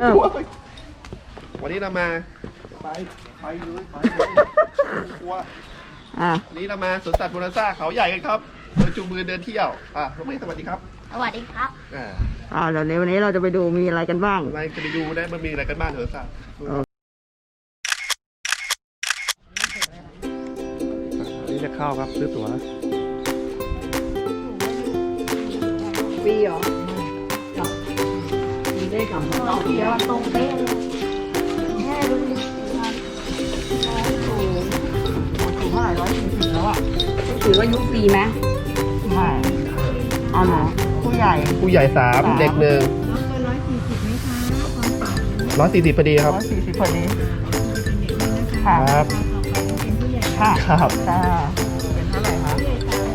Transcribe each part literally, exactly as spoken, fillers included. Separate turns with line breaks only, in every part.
วันนี้เรามาไปไปเลยไปกลัววันนี้เรามาสวนสัตว์โบนาซ่าเขาใหญ่กันครับโดยจูงมือเดินเที่ยวอ่ะน้องเมย์สวัสดีครับ
สวัสดีครับ
อ่า
อ่าเดี๋ยววันนี้เราจะไปดูมีอะไรกันบ้าง
อะไรจะไปดูได้มันมีอะไรกันบ้างสวนสัตว์นี่จะเข้าครับซื้อตั๋ว
ฟรีเหรอมีได้กับ
เราเดี๋ยวตรงเป๊ะเลยแค่ดูดิ
สูงสูงเท่าไหร่ร้อยสี่สิบแล้วอ่ะถือว่ายุคฟรีไหมไม่เอาหนูผู้ใหญ่
ผู้ใหญ่สามเด็กหนึ่งร้อยสี่สิบไหมคะร้อยสี่สิบพอดีครับ
ร้อยสี่สิบพอดี
ครับ
ค่ะ
ครับ
จ้าเป็นเท่าไหร่คะ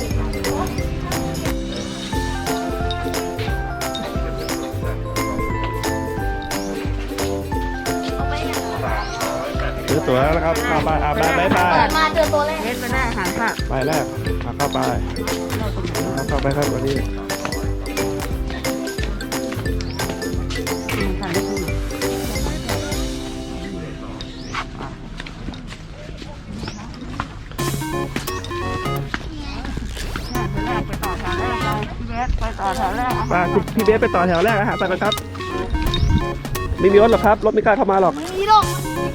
ซื้อตั๋วแล้วครับเข้าไปอาบน้ำบายบาย
มาเจอตัวแรก
เล่นไปได้อาหารค่ะ
ไปแรกเข้าไปเข้าไปครับวันนี้
ไปต่อแถวแรกเลยพี่เบสไปต่อแถวแรก
มาพี่เบสไปต่อแถวแรกอาหารสั่งกันครับไม่มีรถหรอกครับรถไม่กล้าเข้ามาหรอก
ไม่มีหรอก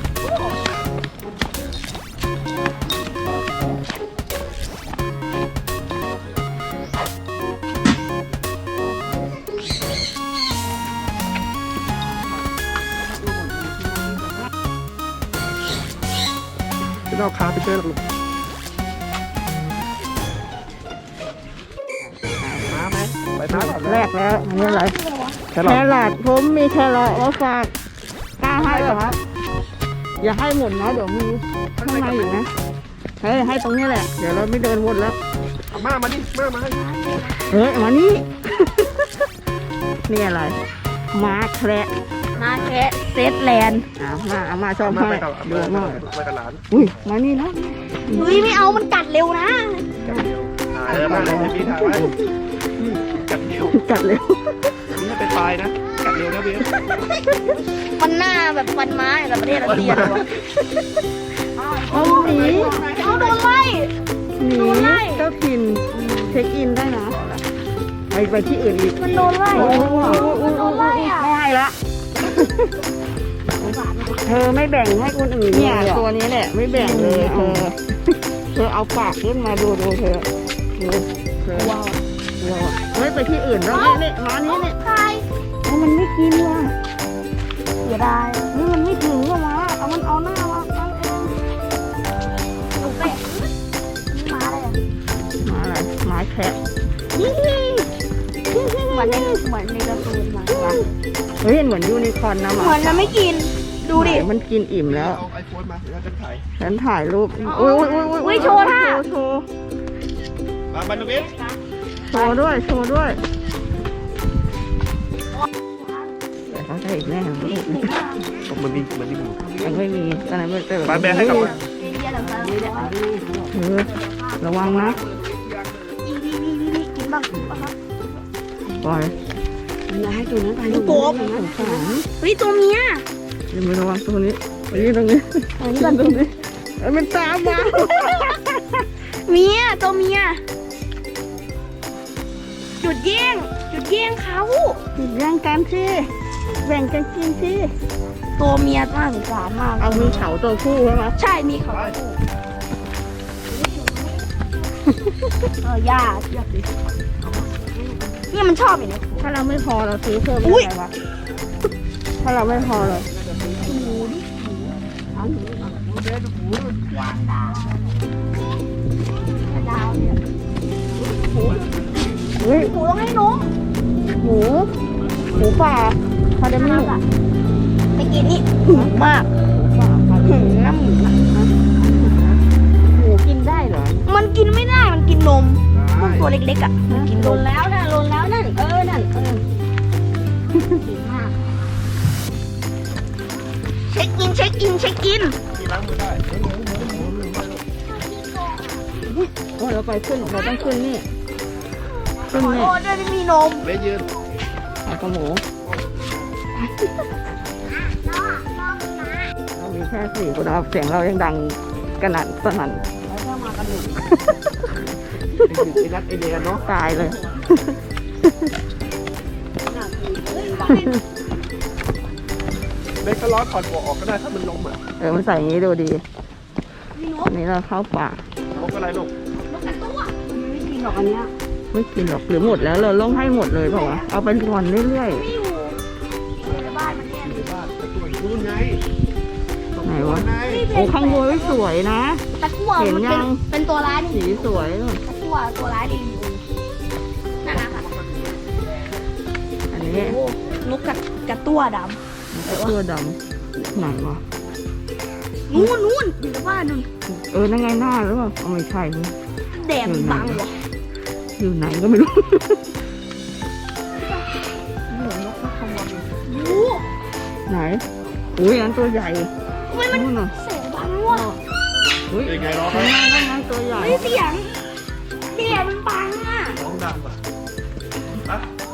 จะเอาคาไปเจอหรอกมาไหมไปน้ำ
แรกแล้วอันนี้อะไร
แค
รอทผมมีแครอทมาฝากกล้าให้เหรอครับอย่าให้หมดนะเดี๋ยวมีข้างในอยู่นะเฮ้ยให้ตรงนี้แหละเดี๋ยวเราไม่เดินวนแล้ว
มามาดิมามา
เฮ้ยมานี่นี่อะไรมาแคระ
มาแค่เซตแลนด์
อ่ามาเอามาชอบให้ดูมาก
ไปกับหลาน
อุ้ยมานี่นะ
เฮ้ยไม่เอามันกัดเร็วนะ
เออมาเลยพี่ถ่ายไว้กัดเร็ว
กัดเร็ว
นี่ถ้าเป็นปลายนะกัดเร็วนะเบส
มันหน้าแบบฟันไม้แบบประเทศรัสเซียเลยวะ
เอาหนี
เอาโดนไล่
หนีเจ้าถิ่นเช็คอินได้นะไปไปที่อื่นอีก
มันโดนไล่มันโดนไล่อะ
ไม่ให้ละเธอไม่แบ่งให้คนอื่นเนี่ยตัวนี้แหละไม่แบ่งเลยเธอเธอเอาปากขึ้นมาดูดูเธอดูเธอว้าวเฮ้ยไปที่อื่นแล้วนี่มานี้นี่
ใคร
มันไม่กินว่ะ
เสียดาย
นี่มันไม่ถึงหรอวะเอามันเอาหน้ามาตั้งเอง
หนูเป็ดมาเลย
มาอะไรมาแคะ
เหมือนในเหมือนในการ์ตูนมา
เฮ้ยเหมือนยูนิคอร์นนะ
เหมือนมันไม่กินดูดิ
มันกินอิ่มแล้ว
เอาไอโฟนมาเดี๋ยวฉันถ่าย
ฉันถ่ายรูปอุ้ยอุ้ยอุ้ย
อุ้ยโชว์ท่า
โชว์
มาบันดูเบส
โชว์ด้วยโชว์ด้วยแต่เขาใช่อีกแน่ลูก
มันมีมันมี
ยังไม่มีอะไรไม่เจอ
มาแบให้กับ
เออระวังนะ
กินบ้าง
ปล่อยอย่าให้ตัวนั้นตาย
ดูโป๊บเฮ้ยตัวเมีย
อย่าไประวังตัวนี้นี่ตรงนี้
อันนี้ตรงนี้
มันตามมา
เมียตัวเมียจุดแย่งจุดแย่งเขา
จุดแย่งกันสิแบ่งกันกินสิ
ตัวเมียน่าสงสารมาก
เอามีเขาตัวผู้ใช่ไหม
ใช่มีเขาเออย่าเทียบดินี่มันชอบอย่างนี้
ถ้าเราไม่พอเราซื้อเพิ่มได้ไหมวะถ้าเราไม่พอเลย
หมูดิหมูเอาหมูหมูเด็ดหมูวางดาวดาวเนี่ยหมู
เฮ้ย
หมูต้องให้นม
หมูหมูป่าพอได้ไหม
ไม่กินนี่หมูมากหืมน้ำหมู
หมูกินได้เหรอ
มันกินไม่ได้มันกินนมพวกตัวเล็กๆอ่ะมันกินนมแล้วนะลนแล้วนั่นเออนั่นเออกินมากเช็คอินเช็คอินเช็คอิน
ล้างมือได้
โอ้เราไปขึ้นเราต้องขึ้นนี่
ขึ้นนี่โอ้ได้มีนม
ไม่ยืน
เอากระหมูค่สี่คนนะครับเสียงเรายังดังกระหน่ำสนั่น
แล้วก็มากันหนึ่ง
ไอ้นัดไอเดียเนาะ
ตายเลย
เบคก็ร้อนถอดหัวออกก็ได้ถ้ามันลมอ่ะ
เออมันใส่อย่างนี้ดูดี
มีน
อั
ก
นนี้เราเข้าป่า
ลมอะไรลูก
นกกระตั้วไม่กินหรอกอันเนี้ย
ไม่กินหรอกหรือหมดแล้วเราต้องให้หมดเลยเปล่าวะเอาไปก่อนเรื่อย
ไม่อยู่ในบ้านมันเนี่ย
ในบ้านตะกั่วอยู่นู่นไง
ๆไหนวะ
ไง
โอ้ข้างบนสวยนะ
ตะกั่ว
เห็น
มัน
ยั
เป็น
ง
เป็นตัวร้ายนี่
สีสวยนู่น
ตะกั่วตัวร้ายดีอยู่นั่นนะคะ
อันนี้
โอ้นกกระกระตั้วด
ไอ้ตัวดำไหนวะ
ำนู่นนู่นอยู่ในบ้านนู่น
เออนั่นไงหน้าหรือเปล่าเอาไม่ใช่นี่
แดดมันบังวะ
อยู่ไหนก็ไม่รู้
โอ้
ไหนอุ้ยอันตัวใหญ่
ทำไมมัน
นู่นน่ะ
เสียงบังวะ
อุ้ย
เป็นไงร้อง
นั่นไงนั่นไงตัวใหญ่
ไม่เสียงเสียงมันบังอ่ะ
ร้องดังป่ะอะ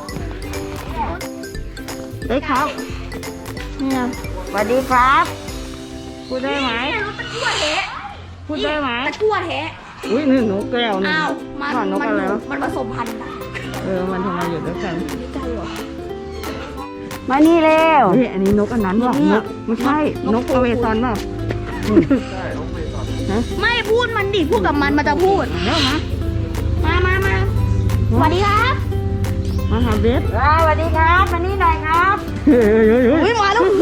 เฮ้ยครับเนี่ยสวัสดีครับพูดได้ไหม
เนี่ยนกตะกั่วแท้
พูดได้ไหม
ตะกั่วแท้
อุ้ยนี่นกแก้วนี่
อ้าวมัน
ผ่านนก
มั
อะไรวะ
มันผสมพันธุ์กัน
เออมันทำไมอยู่ด้วยกัน
ไม่ใช่หรอ
มานี่เร็วนี่อันนี้นกอันนั้นว่ะ
น
น
ก
กไม่ใช่นกอเมซอนเปล่า
ใช่ร้องเพลงก่อน
ฮะ
ไม่พูดมันดิพูดกับมันมันจะพูด
แล้วนะ
มามามาสวัสดีครับ
มาหาเบส
สวัสดีครับมานี่หน่อยครับ
เฮ้ยเฮ้ยเฮ้ย
อุ้ยมาแล้ว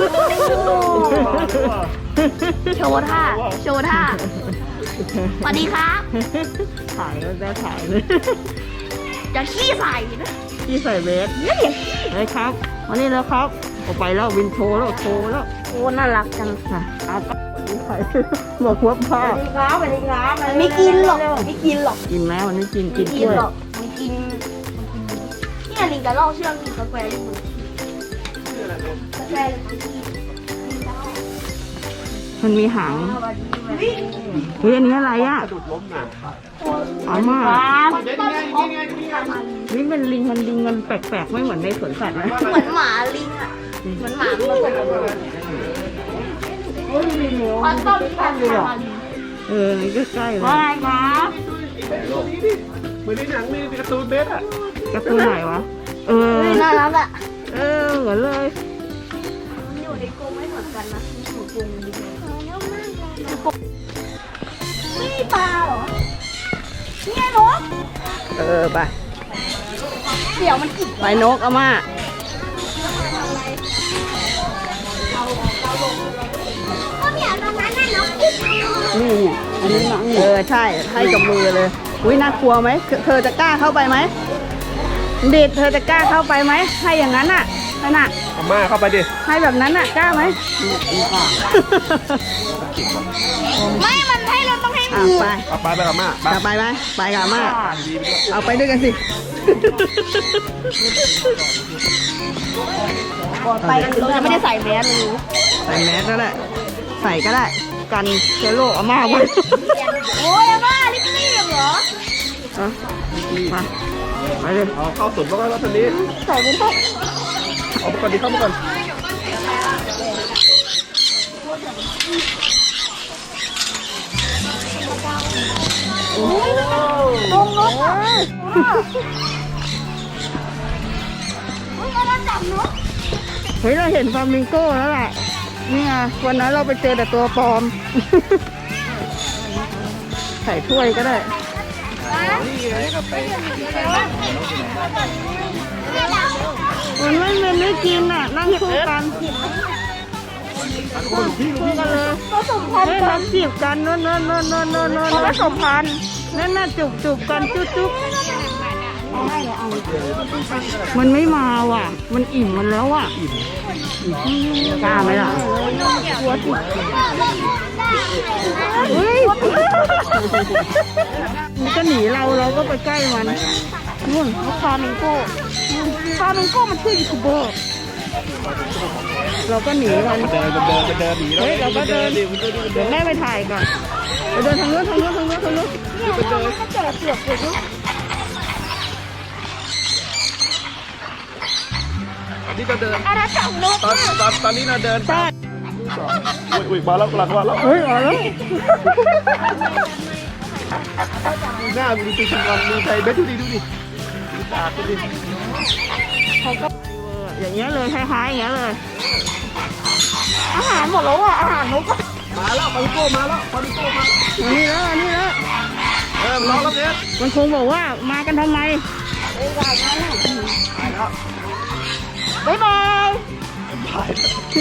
โชว์ท่าโชว์ท่าสวัสดีครับ
ถ่ายแล้วได้ถ่ายเลย
จะขี้ใส่นะ
ที่ใส่เบส
เนี่ย
เฮ้ยครับมานี่แล้วครับออกไปแล้ววินโชว์แล้วโชว์แล้ว
โอ้น่ารักจัง
ค่ะเอาไปใส่บอกหัวผ้า
สวัสดีครับสวัสดีครับไม่กินหรอกไม่กินหรอก
กินไหมวันนี้กินกิ
ไม่
น
กิ
ก
น
ล้วย
หรอกไม่กินเนี่ยลิงกับลอกเชือกกินกาแฟอยู่กาแฟ
มันมีหาง
สวัสดี
เฮ้ยอันนี้อะไรอ่ะ
สะดุดล้มหนัก
อาม่า
เบคนี่ไงนี่ไงนี่ไง
นี่เป็นลิงมันลิงมันแปลกๆไม่เหมือนในสวนสัตว์นะ
เหมือนหมาลิงอ่ะเหมือนหมาผสมกัน
เฮ้ยลิงเหนียว
คอนต้มพันธุ์มาลิง
เออนี่ก็ใกล้เลย
อะไรครับ
ตัวนี้ดิเหมือนในหนังมีการ์ตูนเบสอ่ะ
กระตูนไหนวะเออ
เฮ้ยน่ารักอ่ะ
เออเหมือนเลย
มันอยู่ในกรงไม่เหมือนกันนะอยู่กรงดีเลยไม่มีปลาเหรอนี่ไงนก
เออไป
เดี๋ยวมันกิน
ไปนกอาม่า
ก็เนี่ยตรงนั้นน่ะนกกิน
นี่เนี่ยอันนี้หนังเออใช่ให้กับมือเลยอุ้ยน่ากลัวไหมเธอเธอจะกล้าเข้าไปไหมเด็ดเธอจะกล้าเข้าไปไหมให้อย่างนั้นน่ะนั่นน่ะ
อาม่าเข้าไปดิ
ให้แบบนั้นน่ะกล้าไหม
ไม่มันให้เราต้องให้
อ่ะ
มือ
ไป
เอาไปไปกับอาม่าไป
จะไปไหมไปกับอาม่า
ดีไปด้วย
เอาไปด้วยกันสิ
ไปเราจะไม่ได้ใส่แมสเลย
ใส่แมสก็ได้ใส่ก็ได้กันเชื้อโรคอาม่าไว้
โอ้ยอาม่ารีบๆเหรอ
เอามาไปเลย
เอาเข้าสุดแล้วก็แล้วทีนี้
ใส่ไม่ได้
เอาไปก่อนดิเข้ามาก่อน
ลงนกอ่ะเฮ้ยเราจับนก
เฮ้ยเราเห็นฟลามิงโก้แล้วแหละนี่ไงวันนั้นเราไปเจอแต่ตัวปลอม ใส่ถ้วยก็ได้ มันไม่เป็นไม่กินอ่ะ นั่งคู่กันคู่กันเลย
ผสมพัน
เฮ้ย
ธุ์กั
มัน นจีบกันโน่นโน่นโน่นโน่นโน่นโน่น
ผสมพันธุ์
นั่นน่ะจุบจุบกันจุ๊บจุ๊บมันไม่มาว่ะ มันอิ่มมันแล้วอ่ะกล้าไหมล่ะกลัวสิเฮ้ยมันก็หนีเราเราก็ไปใกล้มันนู่นฟามิงโก้ฟามิงโก้มันชื่อยูทูบเบอร์เราก็หนีมัน
เดินเดินเดินหนี
เฮ้ยเราก็เดิน
ดิมันเดินมันเดิ
เดี๋ย
น
วแม่ไปถ่ายก่อนไปเดินทางนู้นทางนู้นทางนู้นทางนู้น
เนี่ยมันก็เจอเปลือกอยู่นี่
นี่ก็เดิน
อาณาจักรนก
ตอนตอนตอนนี้เราเดิน
ใช่
อุ้ยอุ้ยมาแล้วหลังมาแล้ว
เฮ้ยเอาแล้ว
ดูหน้าดูตีชิงกอนดูใจเบสดูดิดูดิดูตาดูดิ
เขาก็อย่างเงี้ยเลยคล้ายๆอย่างเงี้ยเลยอาหารหมดแล้วอ่ะอาหารนกก็
มาแล้วปาริโก้มาแล้วปาริโก้มา
นี่แล้วนี่แล้ว
เออรอแล้วเบส
มันคงบอกว่ามากันทำไม
ไปแล้ว
บ๊ายบาย
ถ่าย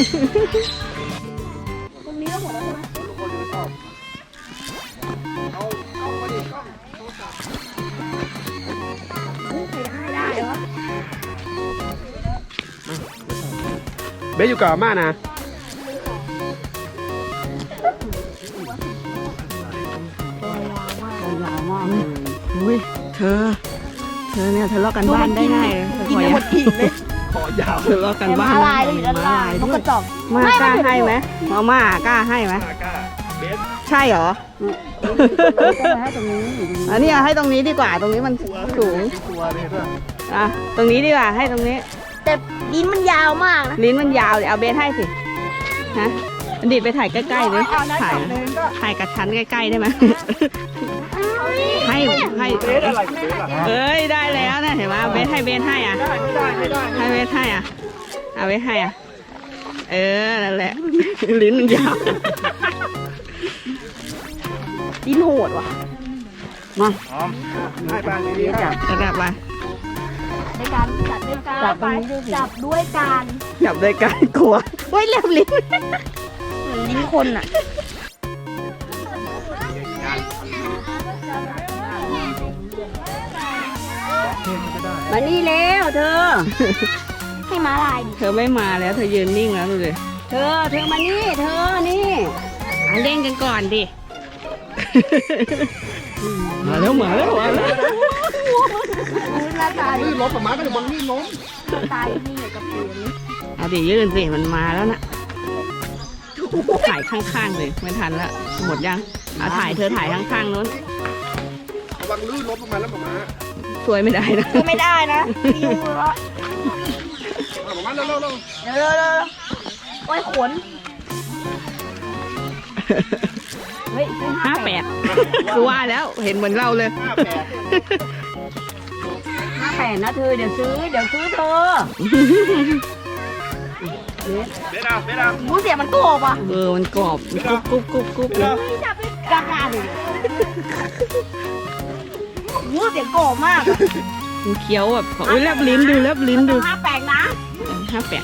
ตรงนี้ก็หมดแล้วใช่ไหม
ทุกคนดูชอบเอากล้องมาดิกล้องโทรศัพท์
ใครให้ได้เหรอ
เบสอยู่กับอาม่านะ
ยาวมากเลยอุ้ยเธอ เธอเนี่ยทะเลาะกันบ้านได้ไง
กินไปหมดอีกเลย
คอยาว
ทะเลาะกันบ้าน
ม้าลายก็อยู่ด้านล่างนกกระจอก
มากล้าให้ไหมมาม่ากล้าให้ไหม
มากล้าเบส
ใช่เหรอ
ให้ตรงนี้
อันนี้ให้ตรงนี้ดีกว่า ตรงนี้มันสูง
กลัวเลยด้วย
อ่ะ ตรงนี้ดีกว่า ให้ตรงนี้
แต่ลิ้นมันยาวมากนะ
ลิ้นมันยาวเดี๋ยวเอาเบสให้สิ ฮะอันดีไปถ่ายใกล้ๆเลยถ่ายถ่ายกับชั้นใกล้ๆได้ไหม ให้ให้
เบสอะไรเบสอะ
เอ้ยได้แล้วนะเห็นไหมเบสให้เบสให้อ่ะ
ได้ไม่ได้ไม่ได้
ให้เบสให้อ่ะเอาเบสให้อ่ะ เออ นั่นแหละ ลิ้นมันยาว
ลิ้นโหดว่ะ
มา
พร้อมให้บ้างดีๆ
จับจับไป
ในการจับด้วยการจับจับด้วยการ
จับด้วยกันกลัวโอ้ยเล็บลิ้น
เหมือนลิ้นคนอ่ะมานี่เร็วเธอ ให้ม้าลายดิ
เธอไม่มาแล้วเธอยืนนิ่งแล้วดูดิ
เธอ เธอมานี่ เธอ นี่
อ่ะเล่นกันก่อนดิ มาแล้วมาแล้วมาแล้ว
หน้าตา
ลื่นรถประมาณก็จะบนลื่นล้ม
หน้าตานี่เหมือนกับเปลี่ยนนี่
เอาดิยืนสิมันมาแล้วนะถ่ายข้างๆเลยไม่ทันละหมดยังเอาถ่ายเธอถ่ายข้างๆนู้น
ระวังลื่นรถประมาณแล้วประมาณ
ช่วยไม่ได้นะ
คือไม่ได้นะมียุงเลย
ประมาณเร็วเร็วเร็ว
เดี๋ยวเดี๋ยวเดี๋ยวโอ้ยขน เฮ้ย
ห้าแปดกูว่าแล้วเห็นเหมือนเราเลย
ห้าแปด
ห้าแปดนะเธอ เดี๋ยวซื้อ เดี๋ยวซื้อเธอ
เบสอะเบสอะ
มูเสียมันโกบอ่ะ
เออมันกรอบกรุบกรุบกรุบกรุบ
เบส
เลย
อะ
กล้ากล้าดิมูเสียงโกบมาก
มันเคี้ยวแบบโอ้ยแลบลิ้นดูแลบลิ้นดู
ห้าแปดนะ
ห้าแปด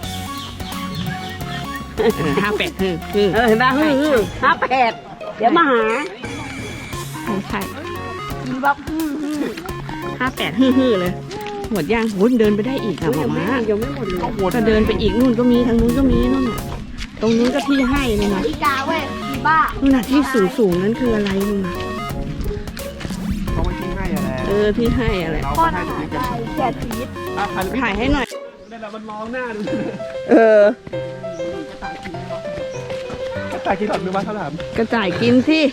ห้าแปดคือคือ
เออเห็นป่ะฮือฮือห้าแปดเดี๋ยวมาหา
ใช่ใช่
กินแบบฮือฮือ
ห้าแปดฮือๆเลยหมดย่างหุ่นเดินไปได้อีกอะหมอม้า
ยังไม่หมดเลย
ก็เดินไปอีกนู่นก็มีทางนู้นก็มีนู่นน่ะตรงนู้นก็ที่ให้เลยนะ
อีกาเว้ยอีบ้า
นู่นน่ะที่สูงสูงๆนั้นคืออะไรนู่นน่ะ
เขาไม่ทิ้งให้อะไร
เออที่ให้อะไร
เรา
พ่อ
ก็
ห
ให้
น้า
ตรงนี้กัน
ได้แก่ชีวิต
อ่ะถ่าย
ถ่ายให้หน่อย
ได้แล้วมันมองหน้าดู
เออ
ตากินหลอดมือมาเขาถาม
กระต่ายกินสิ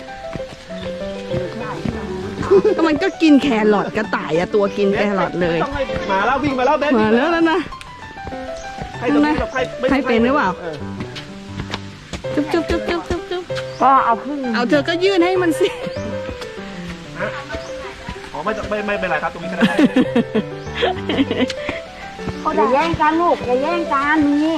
ก็มันก็กินแครอทกระต่ายอะตัวกินแครอทเลย
ต้องให้มาแล้ววิ่งมาแล้วเบส
มาแล้วแล้วนะ
ให้ตรงนี้กับให้ไม่
ให้เป็นหรือเปล่า
ออ
จุ๊บจุ๊บจุ๊บจุ๊บจุ๊บจุ๊บ
ก็เอาพึ่ง
เอาเธอก็ยื่นให้มันสิ
ฮะอ๋อไม่ไม่ไม่เป็นไรครับตรงนี้ก็ได้
อย่าแย่งกันลูกอย่าแย่งกันนี่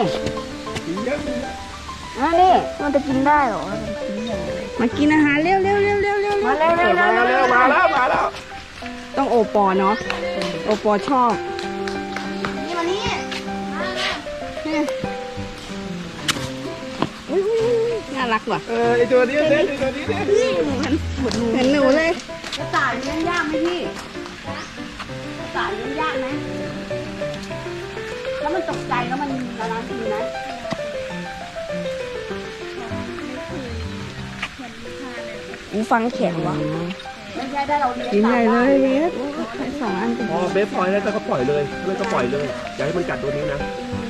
นั่นนี่มันจะกินได้เหรอ
มากินอาหารเร็วเร็วเร็วเร็วเร็ว
มาเร็วเร็ว
มา
เร็ว
แล้ว
เร็ว
มาแล้วมาแล้ว
ต้องโอปอเนาะโอปอชอบ
นี่มานี่
อุ๊ยน่ารักว่ะ
เออไอตัวนี้เบสไอตัวนี้เนี่ย
เห็นหนูเลย
กระต่ายเลี้ยงยากไหมพี่กระต่ายเลี้ยงยากไหมแล้วมันตกใจแล้วมันละลายทีไหมอูฟังแข็งวะไม่ใช่ได้เราเลี้ยง
กินใหญ่เลยเบสให้สองอัน
พอเบสปล่อยแล้วก็ปล่อยเลยเลยก็ปล่อยเลยอย่าให้มันกัดตัวนี้นะ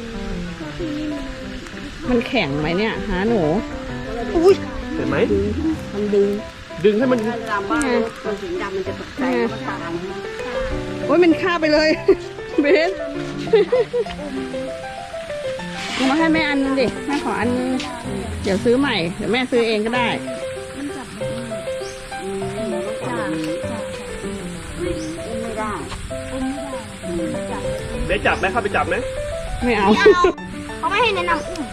มันแข็งไหมเนี่ยหาหนู
อุ้ย
เห็นไหม
มันดึง
ดึงให้มัน
ดำบ้างมันสีดำมันจะตกใจมันตาย
โอ้ยมันฆ่าไปเลย เบสเอามาให้แม่อันนึงดิแม่ขออันนึงเดี๋ยวซื้อใหม่เดี๋ยวแม่ซื้อเองก็ได้
ได้จับไหมเข้าไปจับไหม
ไม่เอา
ไม่เอาเขาไม่ให้แนะนำอุ้ม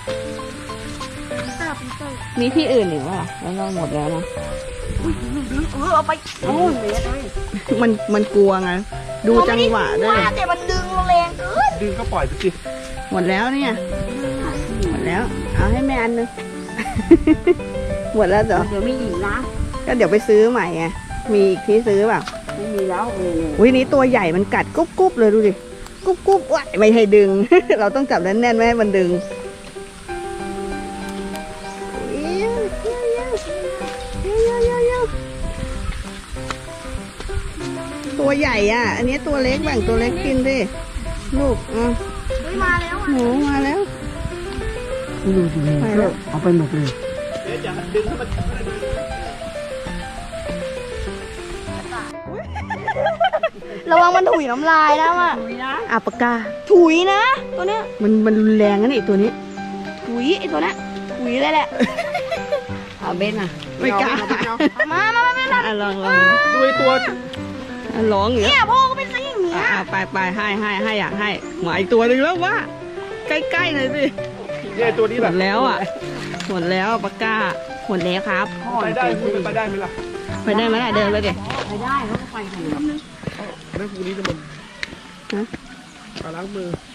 มีที่อื่นอีกวะแล้วเราหมดแล้วนะ
เออเอาไปโอ้ย
มันมันกลัวไงดูจังหวะด้วย
แต่มันดึงแรงเกิน
ดึงก็ปล่อยไปสิ
หมดแล้วเนี่ยหมดแล้ว เอาให้แม่อันนึง หมดแล้วเหรอ
เดี๋ยวมีอีกนะ
ก็เดี๋ยวไปซื้อใหม่ไงมีอีกที่ซื้อเปล่า
ไม่มีแล้วนี่
อุ้ยนี้ตัวใหญ่มันกัดกุ๊บกุ๊บเลยดูดิกุ๊บกุ๊บว้ายไม่ให้ดึง เราต้องจับแน่นๆไม่ให้มันดึงตัวใหญ่อ่ะ อันนี้ตัวเล็กแบ่งตัวเล็กกินดิลูกอ่ะ
เฮ้ยมาแล้วอ่ะ
หนูมาแล้ว
ดูสิ
ไปแล้ว
เอาไปหมดเลย
เดี๋ยวจะดึงให้มัน
ระวังมันถุยน้ำลายนะว่ะ
อาปากกา
ถุยนะตัวเนี้ย
มันมันรุนแรงนะนี่ตัวนี้
ถุยไอ้ตัวเนี้ยถุยเลยแหละ
เอาเบนอ่ะไม่กล้า
มามามาไม่รัก
อ่ะลองลอง
ดูไอ้ตัว
อ่ะร้องอย่าง
เนี่
เงี้ย
ยพ่อก็เป็นซะอย่างเนี้ย
อ่ะไปไปให้ให้ให้อยากให้หมาอีกตัวหนึ่งแล้วว่าใกล้ๆหน่อยสิ
เนี่ยไอ้ตัวนี้
ห
แบ
ม
บ
ดแล้วอ่ะหมดแล้วปากกาหมดแล้วครับ
ไปได้พูดไปได้ไหมล่ะ
ไปได้ไหมล่ะเดินไปดิ
ไปได้เขาก็ไปของ
แล้วพรุ่งนี้จะมา
ฮะ
มาล้างมือ